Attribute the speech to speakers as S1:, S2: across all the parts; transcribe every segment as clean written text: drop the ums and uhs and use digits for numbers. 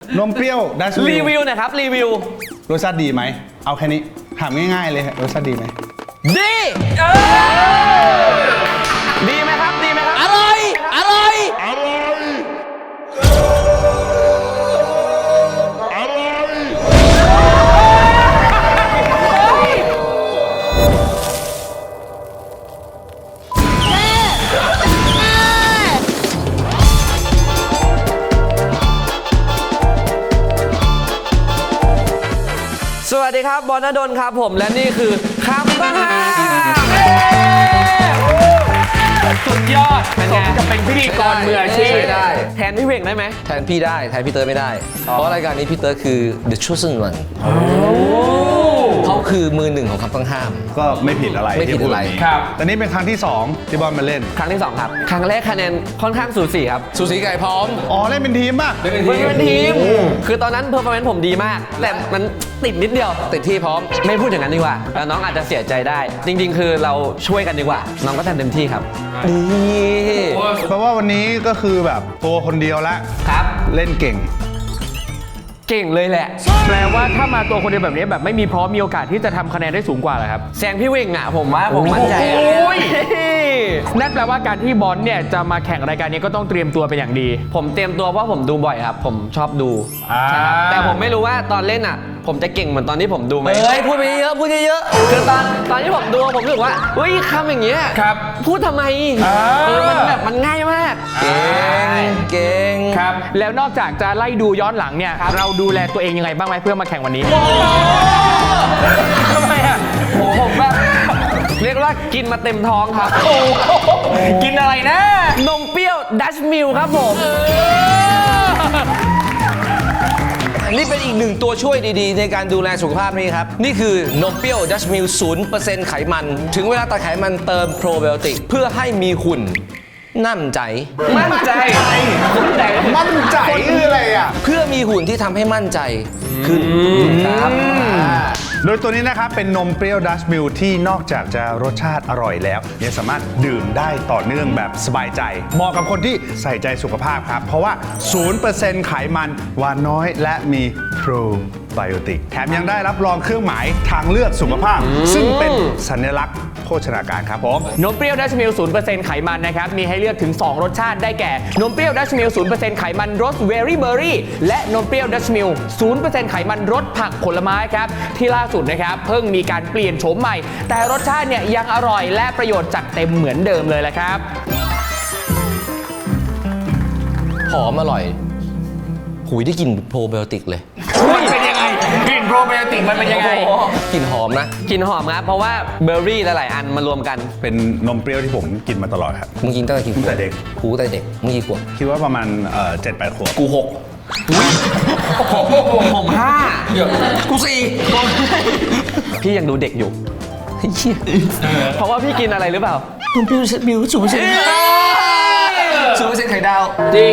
S1: นมเปรี้ยวดัชมิล
S2: รีวิวหน่อยครับรีวิว
S1: รสชาติดีไหมเอาแค่นี้ถามง่ายๆเลยรสชาติดีไหม
S2: ดีดีไหมครับดีไหมครับ
S3: อร่อยอร่อย
S2: สวัสดีครับบอลณดลครับผมและนี่คือคำต้องห้าม
S4: สุดยอดสมกับเป็นพิธีกรมืออาชีพ
S3: ได้
S2: แทนพี่เวงได้ไหม
S3: แทนพี่ได้แทนพี่เติร์ดไม่ได้เพราะรายการนี้พี่เติร์ดคือ The Chosen One เขาคือมือหนึ่งของคำต้องห้าม
S1: ก็ไม่ผิดอะไร
S3: ไม่ผิดอะไร
S4: ครับ
S1: แต่นี่เป็นครั้งที่2ที่บอลมาเล่น
S2: ครั้งที่2ครับครั้งแรกคะแนนค่อนข้างสูสีครับ
S3: สูสีไก่พร้อม
S1: อ๋อเล่นเป็นทีมป่ะ
S3: เล่นเป็น
S2: เป็นทีมคือตอนนั้นเพอร์ฟอร์แมนซ์ผมดีมากแต่มันติดนิดเดียว
S3: ติดที่พร้อม
S2: ไม่พูดอย่างนั้นดีกว่าแล้วน้องอาจจะเสียใจได้จริงๆคือเราช่วยกันดีกว่าน้องก็ทำเต็มที่ครับ
S3: ดี
S1: เพราะว่าวันนี้ก็คือแบบตัวคนเดียวละ
S2: ครับ
S1: เล่นเก่ง
S2: เลยแหละ
S4: แปลว่าถ้ามาตัวคนเดียวแบบนี้แบบไม่มีพร้อมมีโอกาสที่จะทำคะแนนได้สูงกว่าเหรอครับ
S2: แซงพี่เวงอ่ะผมว่าผมมั่นใจ
S4: นั่นแปลว่าการที่บอลเนี่ยจะมาแข่งรายการนี้ก็ต้องเตรียมตัวเป็นอย่างดี
S2: ผมเตรียมตัวเพราะผมดูบ่อยครับผมชอบดูใช่ครับแต่ผมไม่รู้ว่าตอนเล่นอ่ะผมจะเก่งเหมือนตอนที่ผมดูไหม
S3: พูดไปเยอะพูดเยอะ
S2: คือตอนที่ผมดูผมรู้สึกว่าเฮ้ยคำอย่างเงี้ย
S4: ครับ
S2: พูดทำไมมันแบบมันง่ายมาก
S3: เก่ง
S4: ครับแล้วนอกจากจะไล่ดูย้อนหลังเนี่ยเราดูแลตัวเองยังไงบ้างไหมเพื่อมาแข่งวันนี้ทำไมอ่ะ
S2: ผมแบบเรียกว่ากินมาเต็มท้องครับ
S4: กินอะไรนะ
S2: นมเปรี้ยวดัชมิลครับผม
S3: นี่เป็นอีกหนึ่งตัวช่วยดีๆในการดูแลสุขภาพนี้ครับนี่คือนมเปรี้ยวดัชมิล 0% ไขมันถึงเวลาตัดไขมันเติมโปรไบโอติกเพื่อให้มีหุ่นมั่นใจ
S1: คืออะไรอ่ะ
S3: เพื่อมีหุ่นที่ทำให้มั่นใจขึ้นครับ
S1: โดยตัวนี้นะครับเป็นนมเปรี้ยวดัชมิลที่นอกจากจะรสชาติอร่อยแล้วยังสามารถดื่มได้ต่อเนื่องแบบสบายใจเหมาะกับคนที่ใส่ใจสุขภาพครับเพราะว่า 0% ไขมันหวานน้อยและมีโปรไบโอติกแถมยังได้รับรองเครื่องหมายทางเลือกสุขภาพซึ่งเป็นสัญลักษณ์โภชนาการครับผม
S4: นมเปรี้ยวดัชมิล 0% ไขมันนะครับมีให้เลือกถึง2รสชาติได้แก่นมเปรี้ยวดัชมิล 0% ไขมันรสเวอรี่เบอร์รี่และนมเปรี้ยวดัชมิล 0% ไขมันรสผักผลไม้ครับที่ล่าสุดนะครับเพิ่งมีการเปลี่ยนโฉมใหม่แต่รสชาติเนี่ยยังอร่อยและประโยชน์จัดเต็มเหมือนเดิมเลยแหละครับ
S3: หอมอร่อยหุยได้กลิ่นโปรไบโอติกเลย
S4: มันเป็นยังไงกลิ่นโปรไบโอติกมันเป็นยังไง
S3: กลิ่นหอมนะ
S2: กลิ่นหอมครับเพราะว่าเบอร์รี่หลายๆอันมารวมกัน
S1: เป็นนมเปรี้ยวที่ผมกินมาตลอดครับ
S3: มึงกินตั้งแต่กี่ขวบ
S1: แต่เด็ก
S3: กูแต่เด็กมึงกี่ขวบ
S1: คิดว่าประมาณ7-8 ขวบ
S3: กู6
S2: ผม5
S3: กู
S2: 4พี่ยังดูเด็กอยู่เพราะว่าพี่กินอะไรหรือเปล่านมเปรี้ยวมิล 0%
S3: ไข่ดาว
S4: จริง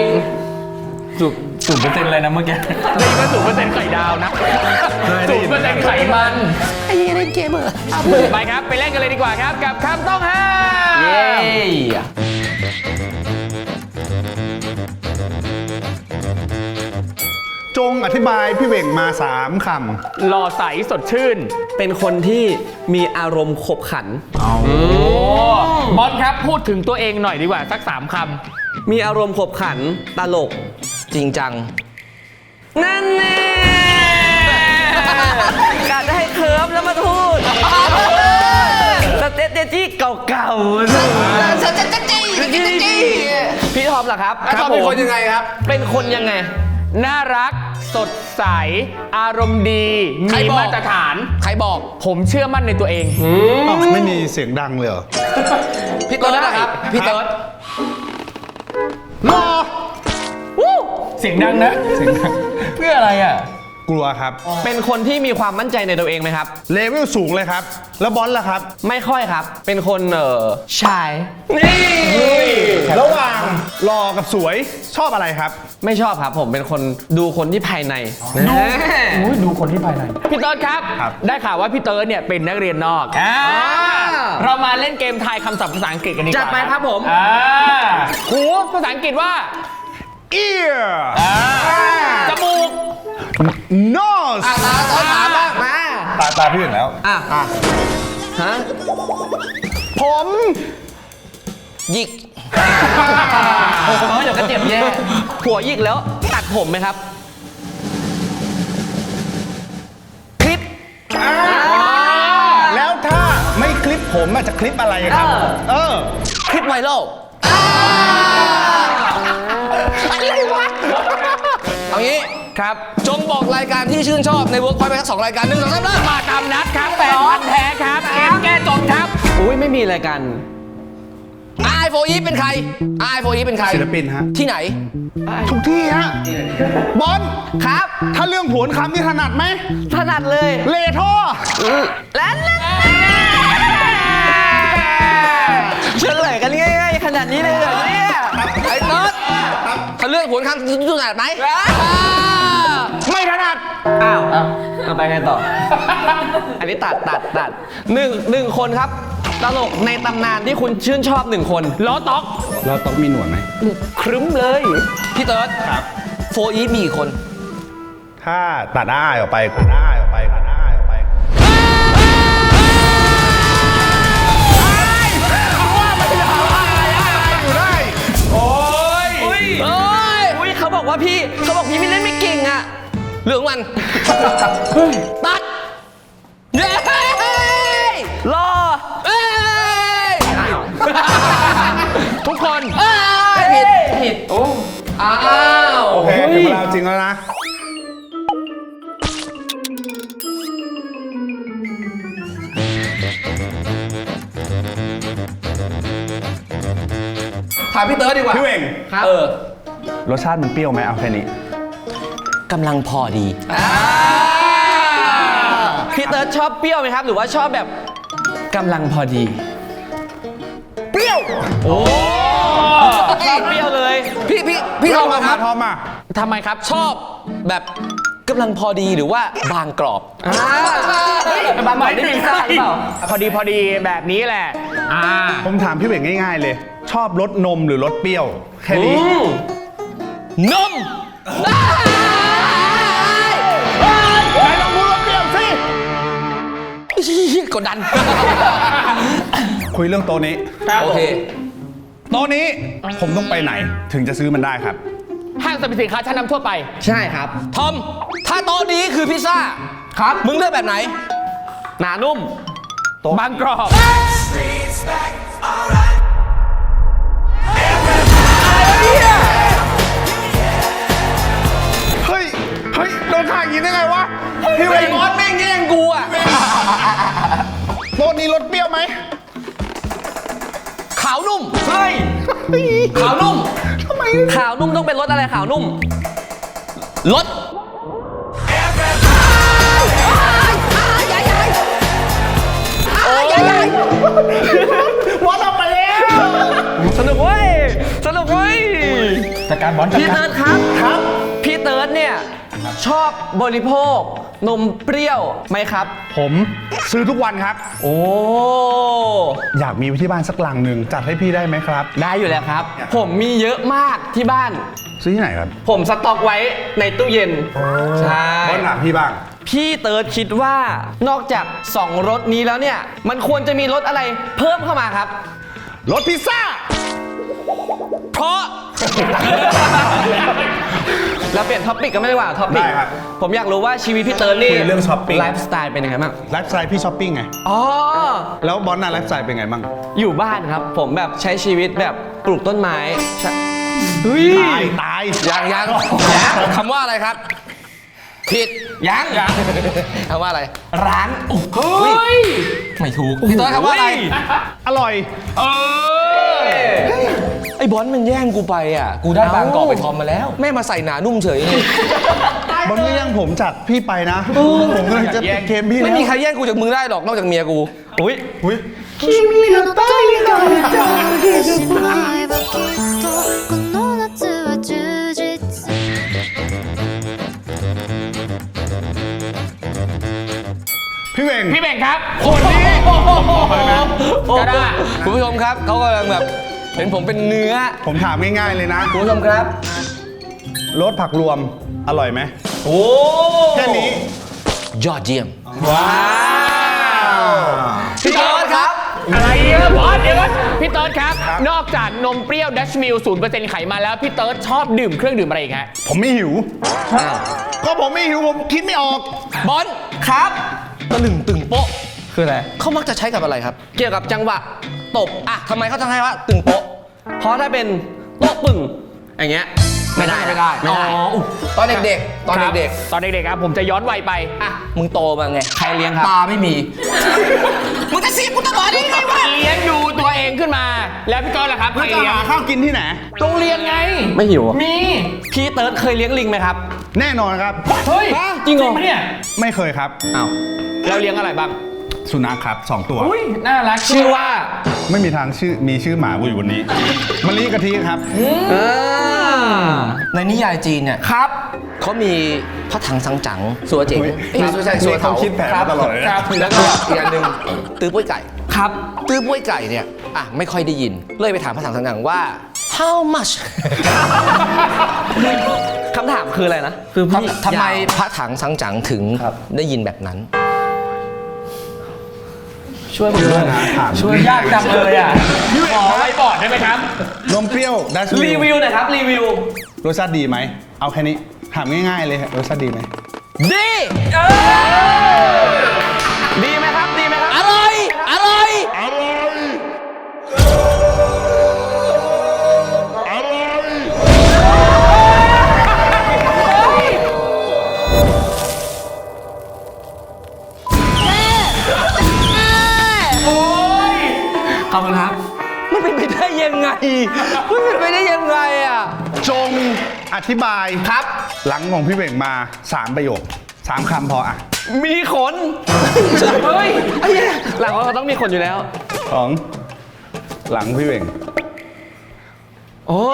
S4: 0%เลยนะเมื่อกี้ได้ยินว่า 0% ไข่ดาวนะ 0% ไขมัน
S3: ไอ้เล่นเกมเหรอ
S4: ไปครับไปเล่นกันเลยดีกว่าครับกับคำต้องห้าม
S2: เย้
S1: จงอธิบายพี่เวงมา3 ค
S4: ำหล่อใสสดชื่น
S2: เป็นคนที่มีอารมณ์ขบขัน
S4: บอลครับพูดถึงตัวเองหน่อยดีกว่าสัก3 คำ
S2: มีอารมณ์ขบขันตลก
S3: จริงจัง
S2: นั่นแน่กะจะให้เคิร์ฟแล้วมาพูดสเตตจี้เก่าๆพี่ทอมเหรอครับ
S3: เป็นคนยังไงครับ
S2: เป็นคนยังไง
S4: น่ารักสดใสอารมณ์ดีมีมาตรฐาน
S3: ใครบอก
S4: ผมเชื่อมั่นในตัวเอง
S1: ไม่มีเสียงดังเลยเหรอ
S3: พี่เติร์ดนะครับพี่เติร์ด
S4: รอเสียงดังนะเสียงดังเพื่ออะไรอ่ะ
S1: กลัวครับ
S2: เป็นคนที่มีความมั่นใจในตัวเองไหมครับ
S1: เลเวลสูงเลยครับแล้วบอลล่ะครับ
S2: ไม่ค่อยครับเป็นคนชาย
S1: นี่ระหว่างหล่อกับสวยชอบอะไรครับ
S2: ไม่ชอบครับผมเป็นคนดูคนที่ภายใน
S4: ดูคนที่ภายในพี่เติร์ดครับได้ข่าวว่าพี่เติร์ดเนี่ยเป็นนักเรียนนอกเรามาเล่นเกมทายคำศัพท์ภาษาอังกฤษกันดีกว่า
S2: จัดไปครับผม
S4: หูภาษาอังกฤษว่า
S1: ear
S4: จมูก
S1: no
S3: ตาต้นถามบ้างมา
S1: ตาพี่ถึงแล้ว
S3: ฮะ
S1: ผม
S3: หยิก
S2: เดี๋ยวก็เจ็บแย่หัวหยิกแล้วตัดผมไหมครับ
S3: คลิป
S1: แล้วถ้าไม่คลิปผมจะคลิปอะไรครับ
S3: คลิปไวรัลเอางี้
S4: ครับ
S3: จงบอกรายการที่ชื่นชอบในเวิร์กพอยต์ไปทั้ง2 รายการ1 2 3เริ่ม
S4: มาตามนัดครับแฟนพันธุ์แท้ครับเกมแก้จบครับ
S2: อุ้ยไม่มีอะไรกัน
S3: ไอโฟอีเป็นใครไอโฟอีเป็นใคร
S1: ศิลปินฮะ
S3: ที่ไหน
S1: ทุกที่ฮะ บอล
S2: ครับ
S1: ถ้าเรื่องผวนคำนี่ถนัดไหม
S2: ถนัดเลย
S1: เลท่อ
S2: แล้วเฉลยกันง่ายๆขนาดนี้เลยเหรอเนี่ย
S3: ไอ้น็อตถ้าเรื่องผลคำถนัดไหม
S1: ไม่ถนัด
S2: อ้าวเอาไปไงต่อ อันนี้ตัดหนึ่งคนครับ ตลกในตำนานที่คุณชื่นชอบ1 คน
S4: ล้อต๊อก
S1: เราต้องมีหนวดไหม
S2: ครึ้มเลย
S3: พี่เติร์ดโฟอีมีกี่คน
S1: ถ้าตัดอ้ายออกไปตัดอ้ายออกไปตัดอ้ายออกไป
S2: อุ้ยเขาบอกพี่ไม่เล่นไม่เก่งอ่ะ
S3: เรื่องมัน ตัด เย้
S2: รอ
S3: เอ้ย
S4: ทุกคน
S3: เอ้ยผิดอ้าว
S1: โอเคถึงเวลาจริงแล้วนะ
S3: ถามพี่เติร์ดดีกว่า
S1: พี่เวงรสชาติมันเปรี้ยวไหมเอาแค่นี้
S3: กำลังพอดี
S2: พี่เติร์ดชอบเปรี้ยวไหมครับ หรือว่าชอบแบบกำลังพอดี
S1: เปรี้ยว
S2: ชอบเปรี้ยวเลย
S3: พี่ทอมครับ
S1: ทอมมา
S4: ทำไมครับ
S3: ชอบแบบกำลังพอดีหรือว่าบางกรอบ
S2: บางหน่อยได้พิซซ่าหรือเปล่า
S4: พอดีแบบนี้แหละ
S1: ผมถามพี่เวงง่ายๆเลย ชอบรสนมหรือรสเปรี้ยว แค่นี้
S3: นม
S1: ไหนลองพูดรสเปรี้ยวสิ
S3: กดดัน
S1: คุยเรื่องโต๊ะนี้
S3: โอเค
S1: โต๊ะนี้ผมต้องไปไหนถึงจะซื้อมันได้ครับ
S4: ห้างสรรพสินค้าชั้นนำทั่วไป
S2: ใช่ครับ
S3: ทอม ถ้าโต๊ะนี้คือพิซซ่า
S2: ครับ
S3: มึงเลือกแบบไหน
S2: หนานุ่ม
S4: บางกรอบ
S1: เฮ้ยโดนถ่ายอย่างนี้ได้ไงวะ พี่เว
S3: ไอ้
S1: ง
S3: บอสแม่งแย่งกูอ่ะ
S1: โต๊ะนี้รสเปรี้ยวไหม
S3: ขาวนุ่ม
S2: เฮ้ย
S3: ขาวนุ่ม
S2: ขาวนุ่มต้องเป็นรสอะไรขาวนุ่ม
S3: รส
S1: บอลออกไปแล้ว
S2: สนุกเว้ย
S1: จัดการบอลจัด
S2: พี่
S1: การ
S2: เติร์ดครับ
S1: ครับ
S2: พี่เติร์ดเนี่ย ชอบบริโภคนมเปรี้ยวไหมครับ
S1: ผมซื้อทุกวันครับ
S2: โอ้
S1: อยากมีไว้ที่บ้านสักลังหนึ่งจัดให้พี่ได้ไหมครับ
S2: ได้อยู่แล้วครับ ผมมีเยอะมากที่บ้าน
S1: ซื้อที่ไหนครับ
S2: ผมสต็อกไว้ในตู้เย็น ใช่
S1: บอลถามพี่บ้าง
S2: พี่เติร์ดคิดว่านอกจาก2รสนี้แล้วเนี่ย มันควรจะมีรสอะไรเพิ่มเข้ามาครับ
S1: รถพิซซ่า
S3: เพราะ
S2: เราเปลี่ยนท็อปิกกันไม่ได้ว่าท็อปิก
S1: ได้ครับ
S2: ผมอยากรู้ว่าชีวิตพี่เติร์ดนี่
S1: คุยเรื่องช้อปปิ้ง
S2: ไลฟ์สไตล์เป็นยังไงบ้าง
S1: ไลฟ์สไตล์พี่ช้อปปิ้งไง
S2: อ๋อ
S1: แล้วบอลน่ะไลฟ์สไตล์เป็นไงบ้าง
S2: อยู่บ้านครับ ผมแบบใช้ชีวิตแบบปลูกต้นไม้ใช่เฮ้ย
S1: ตาย
S3: ยังคำว่าอะไรครับ ผิดยังคำว่าอะไร
S2: ร้าน
S3: เฮ้ย ไม่ถูกพี่เติร์ดคำว่าอะไร
S1: อร่อย
S3: ไอ้บอลมันแย่งกูไปอ่ะ กูได้บางกอกไปทอมมาแล้ว แม่มาใส่หนานุ่มเฉยเลย
S1: บอลก็ยังผมจากพี่ไปนะ ผมกำลังจะปิดเกมพี่
S3: ไม่
S1: แล้ว
S3: มีใครแย่งกูจากมึงได้หรอกนอกจากเมียกู
S2: อุ้ย
S1: อุ๊ย
S5: 君の虜になってしまえばきっとこの夏は充実
S1: พี่เวง
S4: พี่เบ่งครับ คนนี้ก็ได้
S3: คุณผู้ชมครับเขากำลังแบบเห็นผมเป็นเนื้อ
S1: ผมถามง่ายๆเลยนะ
S3: คุณผู้ชมครับ
S1: รสผักรวมอร่อยไหม
S3: โอ้
S1: แค่นี้
S3: ยอดเยี่ยม
S1: ว้าว
S3: พี่เติร์ดครับ
S4: อะไรเนี่ยบอสเดี๋ยวก่อนพี่เติร์ดครับ นอกจากนมเปรี้ยวดัชมิล 0% ไขมันแล้วพี่เติร์ดชอบดื่มเครื่องดื่มอะไรอีกฮะ
S1: ผมไม่หิว ก็ผมไม่หิว ผมคิดไม่ออก
S3: บอลครับตะลึงตึงโป๊ะ
S2: คืออะไร
S3: เขามักจะใช้กับอะไรครับ
S2: เกี่ยวกับจังหวะตบ
S3: อ่ะทำไมเขาต้องให้ว่าตึงโป๊ะ
S2: เพราะถ้าเป็นโต๊ะปึ่งอย่างเงี้ยไม่ได้
S3: ไม่ได้
S2: ไม่ได้
S3: ตอนเด็กๆ ตอนเด็ก
S4: ตอนเด็กๆครับผมจะย้อนวัยไป
S3: ๆ อ่ะ มึงโตมาไง
S2: ใครเลี้ยงครับ
S3: ตาไม่มี มึงจะเสียกูตลอดได้ไงวะ
S4: เลี้ยงดูตัวเองขึ้นมา แล้วพี่เติร์ดล่ะครับใคร
S1: จะ
S4: เลี้ยง
S1: หาข้าวกินที่ไหน
S4: โรงเรียนไง
S2: ไม่หิวอะ
S4: มี
S2: พี่เติร์ดเคยเลี้ยงลิงไหมครับ
S1: แน่นอนครับ
S4: เฮ้ย
S2: จริงเหรอ
S4: ปะเนี่ย
S1: ไม่เคยครับ
S2: อ้าว
S4: แล้วเลี้ยงอะไรบ้าง
S1: สุนัขครับ 2 ตัว
S4: อุ้ยน่ารัก
S2: ชื่อว่า
S1: ไม่มีทางมีชื่อหมากูอยู่บนนี้มะลิกะทิครับ
S3: ในนิยายจีนเนี่ยครับเขามีพระถังซังจั๋งสัวเจ๋งไม่ใช่สัวเถา
S1: เขาคิดแผนมาตลอดเลยนะ
S3: ครับแล้วก็อีกอันหนึ่งตื้อป้วยไก่ครับตื้อป้วยไก่เนี่ยอ่ะไม่ค่อยได้ยิน เลยไปถามพระถังซังจั๋งว่า how much
S2: คำถามคืออะไรนะ คือพี่
S3: ทำไม
S2: ยาว
S3: พระถังซังจั๋งถึงได้ยินแบบนั้น
S2: ช่วยผมด้วยนะ
S4: ช่วยยากจังเลยอ่ะขอไว้บอร์ดได้ไหมครับ
S1: นมเปรี้ยวดัชมิล
S2: รีวิวหน่อยครับ รีวิว
S1: รสชาติดีไหม เอาแค่นี้ ถามง่ายๆเลยรสชาติดีไหม
S2: ดีดีไหมครับ ดีไหมครับ
S3: อร่อย อร่อย
S2: ขอบคุณครับ
S3: มันเป็นไปได้ยังไง มันเป็นไปได้ยังไงอ่ะ
S1: จงอธิบายครับ หลังของพี่เบ่งมา 3 ประโยค 3 คำพออ่ะ
S2: มีขน เฮ้ยไอ้เหี้ยหลังเราต้องมีขนอยู่แล้ว
S1: ของหลังพี่เบ่ง
S2: โอ้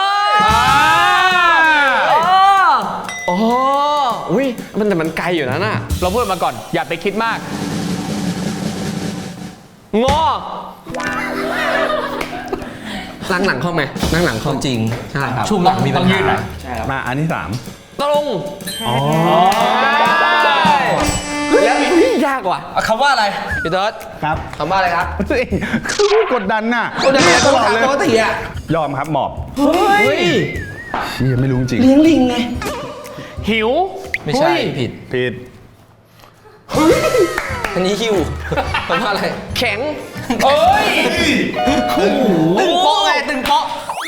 S2: โอ้อุ้ยแต่มันไกลอยู่นะน่ะ
S4: เราพูดมาก่อน อย่าไปคิดมาก
S2: งอนั่งหลังคล่อมไหมนั่งหลังคล่อม
S3: จริง
S2: ใช่ครับ
S3: ช่วงหลังมีปัญ
S4: ต้องยืดหน่
S3: หา
S4: อย
S1: มาอันที่
S2: ตรงแล้วยากว่ะ
S3: คำว่าอะไรพี่เติร์ด
S1: 3 ครับ
S3: คำว่าอะไรครับ
S1: ตัวเองคือกดดันน่ะ
S3: คนเดียว
S1: ตลอดเลย
S3: ปกติอ่ะ
S1: ยอมครับหมอบ
S2: เฮ้ย
S1: เชี่ยไม่รู้จริง
S3: เลี้ยงลิงไง
S4: หิว
S3: ไม่ใช่ ผิด
S1: ผิด
S3: อันนี้ฮิวคำว่าอะไร
S2: แข็ง
S4: เอ้ย
S3: ตึงโป๊ะไงตึงโป๊ะ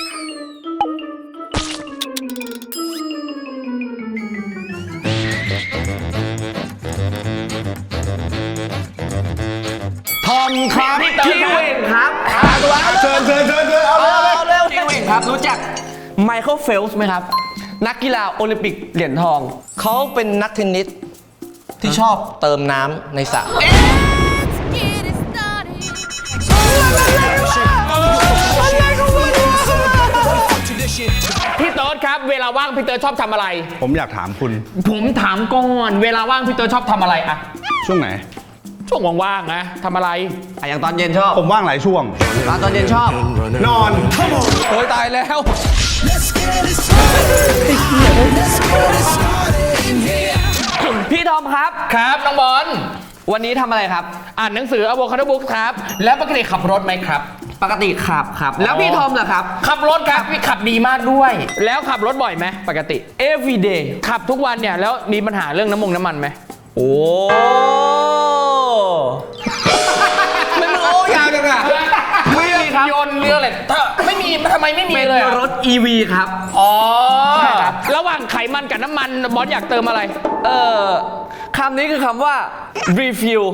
S1: ทอมครับ
S4: พี่เติร์ด
S2: พี่เวงครับ
S1: เชิญเอาเลย
S3: เร็ว
S2: พี่เวงครับ รู้จักไมเคิลเฟลส์ไหมครับ นักกีฬาโอลิมปิกเหรียญทอง
S3: เขาเป็นนักเทนนิสที่ชอบเติมน้ำในสระ
S5: Get it started.
S4: พี่เติร์ดครับ เวลาว่างพี่เติร์ดชอบทำอะไร
S1: ผมอยากถามคุณ
S4: ผมถามก่อน เวลาว่างพี่เติร์ดชอบทำอะไรอะ
S1: ช่วงไหน
S4: ช่วงว่างๆนะทำอะไร
S2: อย่างตอนเย็นชอบ
S1: ผมว่างหลายช่วง
S2: ตอนเย็นชอบ
S1: นอน
S3: โอ้ยตายแล้ว
S2: พี่ทอมครับ
S4: ครับน้องบอล
S2: วันนี้ทำอะไรครับ
S4: อ่านหนังสือ Avocado Book ครับ แล้วปกติขับรถไหมครับ
S2: ปกติขับครับ แล้วพี่ทอมล่ะครับ
S4: ขับรถครับพี่ขับดีมากด้วย แล้วขับรถบ่อยไหมปกติ
S2: every day
S4: ขับทุกวันเนี่ยแล้วมีปัญหาเรื่องน้ำมันไหม
S2: โอ้
S3: มันโอ้ยาวจังอะ
S4: ไม่มีครับยนต์เรื่องอะไรถ้าไม่มีทำไมไม่มี
S2: เป็น
S4: เลยอะ
S2: รถ EV ครับ
S4: อ๋อระหว่างไขมันกับน้ำมันบอสอยากเติมอะไร
S2: คำนี้คือคำว่า refuel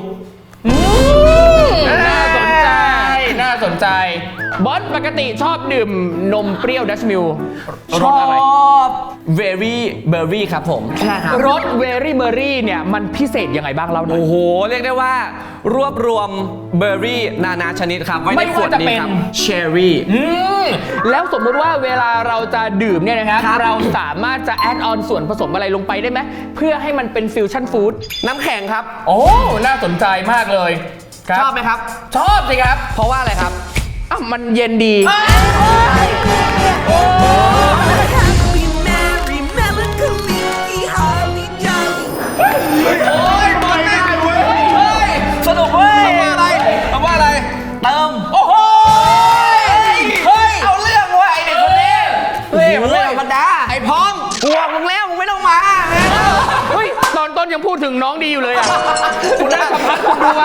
S4: น่าสนใจ น่าสนใจ บอสปกติชอบดื่มนมเปรี้ยวดัชมิลรสอะไร
S2: very berry ครับผม ใช่ครับ
S4: รสเวรี่เบอร์รี่เนี่ยมันพิเศษยังไงบ้างเล่าหน่อย
S2: โอ้โห เรียกได้ว่ารวบรวมเบอร์รี่นานาชนิดครับไว้
S4: ไม่
S2: ใน
S4: ว่า
S2: ขวด
S4: จะ
S2: นี้
S4: เป็น
S2: ครับ cherry
S4: แล้วสมมุติว่าเวลาเราจะดื่มเนี่ยนะครับ
S2: ครับ
S4: เราสามารถจะแอดออนส่วนผสมอะไรลงไปได้ไหมเพื่อให้มันเป็นฟิวชั่นฟู้ด
S2: น้ำแข็งครับ
S4: โอ้ น่าสนใจมากเลยครับ
S2: ชอบไหมครับ
S4: ชอบสิครับ
S2: เพราะว่าอะไรครับ
S4: อ้าวมันเย็นดี
S6: Will you marry melancholy? How
S4: ยังพูดถึงน้องดีอยู่เลยอ่ะ คุณน่าสัมภาษณ์คุณด้วย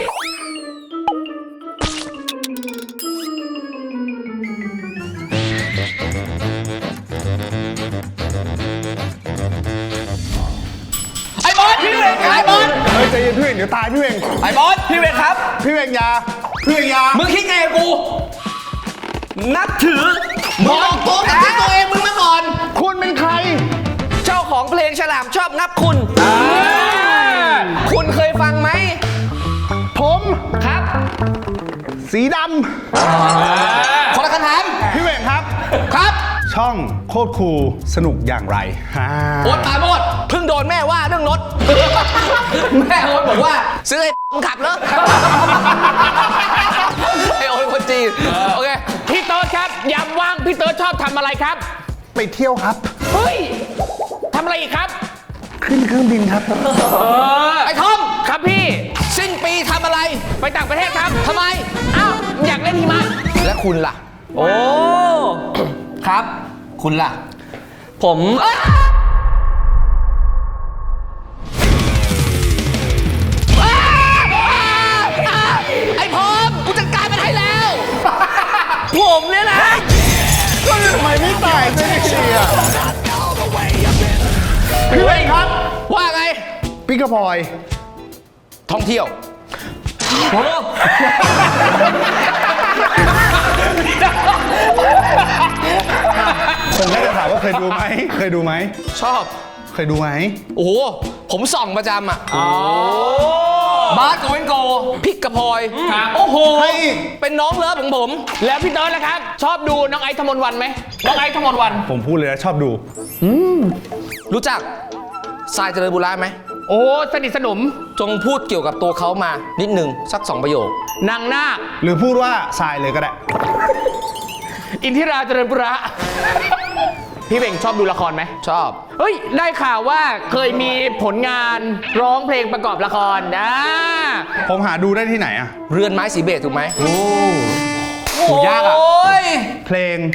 S3: ไอ้บอสพี่เวงไอ้บอส
S1: เฮ้ยใจเย็นพี่เวงเดี๋ยวตายพี่เวง
S3: ไอ้บอสพี่เวงครับ
S1: พี่เวงยาพี่เวงยา
S3: มึงคิดไงกับกู นับถือมองตัวนับถือตัวเองมึงมาก่อน
S1: คุณเป็นใคร
S3: เจ้าของเพลงฉลามชอบงับคุณ คุณเคยฟังไหม
S1: ผม
S3: ครับ
S1: สีด
S3: คนละคำถาม
S1: ำพี่เวงครับ
S3: ครับ
S1: ช่องโคตรคูลสนุกอย่างไรฮ่า
S3: โอ๊ตปราโมดเพิ่งโดนแม่ว่าเรื่องรถ แม่โอ๊ตบอกว่า ซื้อไอ้ขับเหรอ ไอ้โอ๊ตคนจีน โอเค
S4: พี่เติร์ดครับยามว่างพี่เติร์ดชอบทำอะไรครับ
S1: ไปเที่ยวครับ
S4: เฮ้ยทำอะไรอีกครับ
S1: ขึ้นเครื่องบินครับ
S3: ไอ้ทอม
S4: ครับพี่
S3: สิ้นปีทำอะไร
S4: ไปต่างประเทศครับ
S3: ทำไม
S4: อ้าวอยากเล่นหิมะ
S3: และคุณล่ะ
S2: โอ้
S3: ครับ คุณล่ะ
S2: ผม
S3: ไอ้พร้อมกูจัดการมันให้แล้ว
S2: ผมเนี่ยนะ
S1: ก็ทำไมไม่ตายสักทีอ่ะพี่เวงครับ
S3: ว่าไง
S1: พี่กระพลอย
S3: ท่องเที่ยว
S1: ผมแค่จะถามว่าเคยดูไหม เคยดูไหม
S3: ชอบ
S1: เคยดูไหม
S3: โอ้โห ผมส่องประจำอ่ะบาสกับเวนโกพิกกับพลอย โอ้โห
S1: ให้อีก
S3: เป็นน้องเลิฟของผม
S4: แล้วพี่เติร์ดล่ะครับ ชอบดูน้องไอซ์ธมนต์วันไหมน้องไอซ์ธมนต์วัน
S1: ผมพูดเลยนะชอบดู
S3: รู้จักทรายเจริญบุระไหม
S4: โอ้สนิทสนม
S3: จงพูดเกี่ยวกับตัวเขามานิดหนึ่งสัก 2 ประโยค
S4: นางนาค
S1: หรือพูดว่าทรายเลยก็ได้
S4: อินทิราเจริญบุระ พี่เบ่งชอบดูละครไหม
S3: ชอบ
S4: เฮ้ย ได้ข่าวว่าเคยมีผลงานร้องเพลงประกอบละครนะ
S1: ผมหาดูได้ที่ไหนอ่ะ
S3: เรือนไม้สีเบจถูกไหม
S2: ดูยากอะ
S3: โอ้ย
S1: เพลง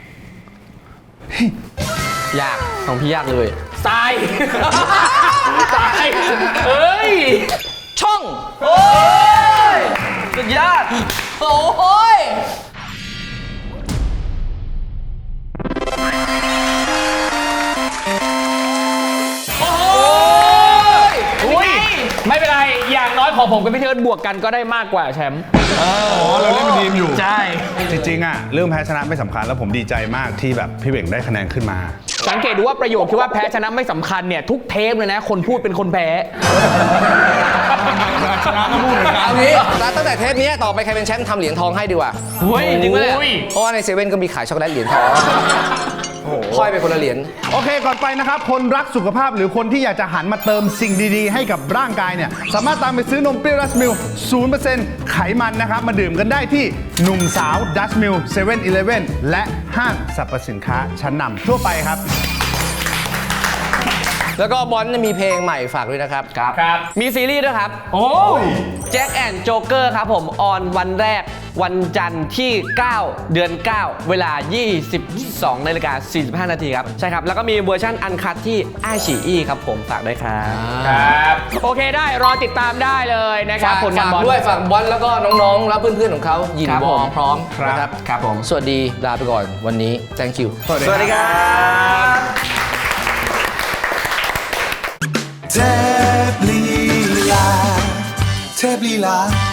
S2: ยากของพี่ยากเลย
S4: ทราย ทรายเอ้ย
S3: ช่อง
S2: โอ้ยสุดยอด
S3: โอ้ย
S4: อุ้ย ไม่เป็นไร อย่างน้อยของผมกับพี่เทิร์ดบวกกันก็ได้มากกว่าแชมป์
S1: อ๋อ เราเล่นเป็นทีมอยู่
S4: ใช่
S1: จริงๆอ่ะเรื่องแพ้ชนะไม่สำคัญแล้วผมดีใจมากที่แบบพี่เบ่งได้คะแนนขึ้นมา
S4: สังเกตดูว่าประโยคที่ว่าแพ้ชนะไม่สำคัญเนี่ยทุกเทปเลยนะ คนพูดเป็นคนแพ้
S1: ชนะก็พูดเหมือนกัน
S3: เอางี้ตั้งแต่เทปนี้ต่อไปใครเป็นแชมป์ทำเหรียญทองให้ดีกว่า
S4: เฮ้ยจริงปะเนี่ย
S3: เพราะว่าในเซเว่นก็มีขายช็อกโกแลตเหรียญทองค่อยไปคนละเหรียญ
S1: โอเค ก่อนไปนะครับ คนรักสุขภาพหรือคนที่อยากจะหันมาเติมสิ่งดีๆ ให้กับร่างกายเนี่ย สามารถตามไปซื้อนมเปรี้ยวดัชมิล 0% ไขมันนะครับ มาดื่มกันได้ที่หนุ่มสาวดัชมิล 7-Eleven และห้างสรรพสินค้าชั้นนำทั่วไปครับ
S3: แล้วก็บอลมีเพลงใหม่ฝากด้วยนะครับ
S4: ครับ
S2: มีซีรีส์ด้วยครับ
S4: โอ้ย
S2: แจ็คแอนด์โจ๊กเกอร์ครับผม ออนวันแรกวันจันทร์ที่ 9 เดือน 9 เวลา 22:45 นาทีครับ ใช่ครับ แล้วก็มีเวอร์ชันอันคัทที่ไอฉีอีครับผม ฝากด้วยครับ
S4: ครับ โอเคได้รอติดตามได้เลยนะครับผลงาน
S3: ฝาก
S4: บอล
S3: ด้วยฝากบอลแล้วก็น้องๆ แล้วเพื่อนๆ ของเขายิน
S2: ครับ
S3: ว
S2: ผ
S3: อ
S2: ม
S3: พร้อม
S1: ครับ
S3: นะครับ
S4: ครับผม
S3: สวัสดีลาไปก่อนวันนี้ thank you
S1: สวัสดี
S2: สวัสดีครับ
S6: เทพลีลาเทพลีลา